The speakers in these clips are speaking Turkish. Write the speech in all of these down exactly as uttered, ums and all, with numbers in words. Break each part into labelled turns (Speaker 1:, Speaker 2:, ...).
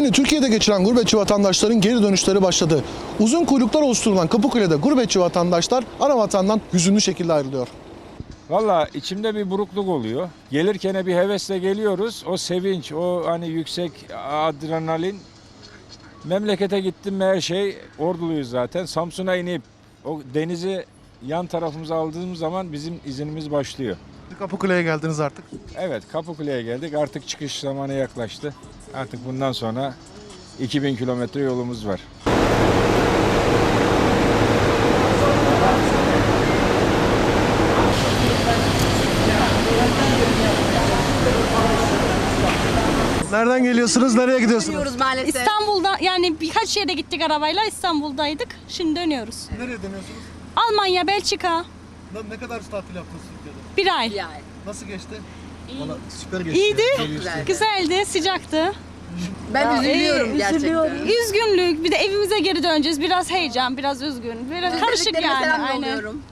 Speaker 1: Ayını Türkiye'de geçiren gurbetçi vatandaşların geri dönüşleri başladı. Uzun kuyruklar oluşturulan Kapıkule'de gurbetçi vatandaşlar ana vatandan hüzünlü şekilde ayrılıyor.
Speaker 2: Valla içimde bir burukluk oluyor. Gelirken bir hevesle geliyoruz. O sevinç, o hani yüksek adrenalin. Memlekete gittim mi her şey, Orduluyuz zaten. Samsun'a inip o denizi yan tarafımıza aldığımız zaman bizim izinimiz başlıyor.
Speaker 1: Kapıkule'ye geldiniz artık.
Speaker 2: Evet, Kapıkule'ye geldik. Artık çıkış zamanı yaklaştı. Artık bundan sonra iki bin kilometre yolumuz var.
Speaker 1: Nereden geliyorsunuz, nereye gidiyorsunuz?
Speaker 3: Dönüyoruz maalesef.
Speaker 4: İstanbul'da yani birkaç yere gittik arabayla, İstanbul'daydık. Şimdi dönüyoruz.
Speaker 1: Nereye dönüyorsunuz?
Speaker 4: Almanya, Belçika.
Speaker 1: Ne kadar tatil yaptınız Türkiye'de?
Speaker 4: Bir ay.
Speaker 3: Yani.
Speaker 1: Nasıl geçti? Valla süper geçti.
Speaker 4: İyiydi,
Speaker 3: Güzeldi.
Speaker 4: güzeldi, sıcaktı.
Speaker 3: Ben üzülüyorum
Speaker 4: Ee,
Speaker 3: gerçekten.
Speaker 4: Üzgünlük, bir de evimize geri döneceğiz. Biraz heyecan, biraz üzgün. Biraz karışık
Speaker 3: Özlediklerime
Speaker 4: yani.
Speaker 3: selam
Speaker 4: Aynen.
Speaker 3: yolluyorum.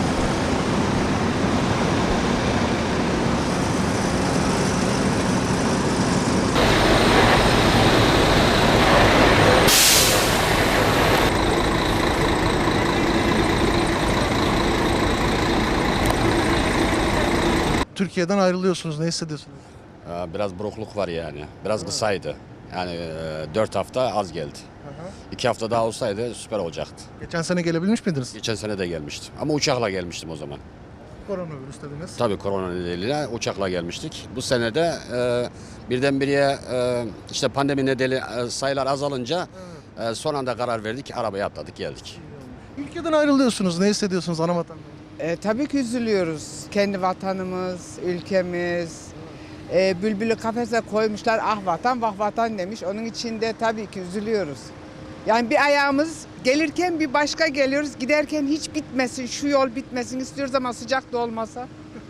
Speaker 1: Türkiye'den ayrılıyorsunuz, ne hissediyorsunuz?
Speaker 5: Ee, Biraz burukluk var yani. Biraz kısaydı. Yani e, dört hafta az geldi. İki hafta daha olsaydı süper olacaktı.
Speaker 1: Geçen sene gelebilmiş miydiniz?
Speaker 5: Geçen sene de gelmiştim. Ama uçakla gelmiştim o zaman.
Speaker 1: Koronavirüs dediniz.
Speaker 5: Tabii korona nedeniyle uçakla gelmiştik. Bu sene de e, birdenbire e, işte pandemi nedeni e, sayılar azalınca e, son anda karar verdik. Arabaya atladık geldik.
Speaker 1: Ülkeden ayrılıyorsunuz, ne hissediyorsunuz ana vatandan?
Speaker 6: E, tabii ki üzülüyoruz. Kendi vatanımız, ülkemiz. E, bülbülü kafese koymuşlar, ah vatan vah vatan demiş. Onun için de tabii ki üzülüyoruz. Yani bir ayağımız gelirken bir başka geliyoruz. Giderken hiç bitmesin, şu yol bitmesin istiyoruz ama sıcak da olmasa.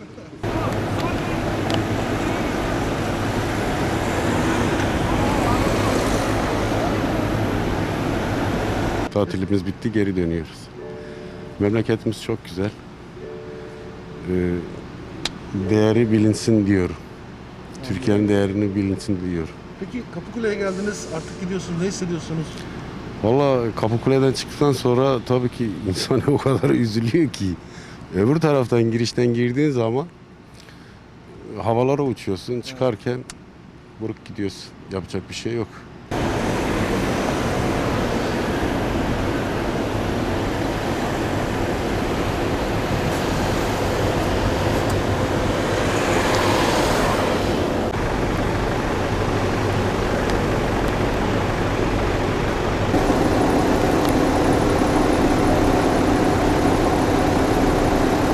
Speaker 7: Tatilimiz bitti, geri dönüyoruz. Memleketimiz çok güzel. Ee, değeri bilinsin diyor. Türkiye'nin değerini bilinsin diyor.
Speaker 1: Peki Kapıkule'ye geldiniz, artık gidiyorsunuz, ne hissediyorsunuz?
Speaker 7: Valla Kapıkule'den çıktıktan sonra tabii ki insan o kadar üzülüyor ki. Öbür taraftan girişten girdiğin zaman havalara uçuyorsun. Çıkarken buruk gidiyorsun. Yapacak bir şey yok.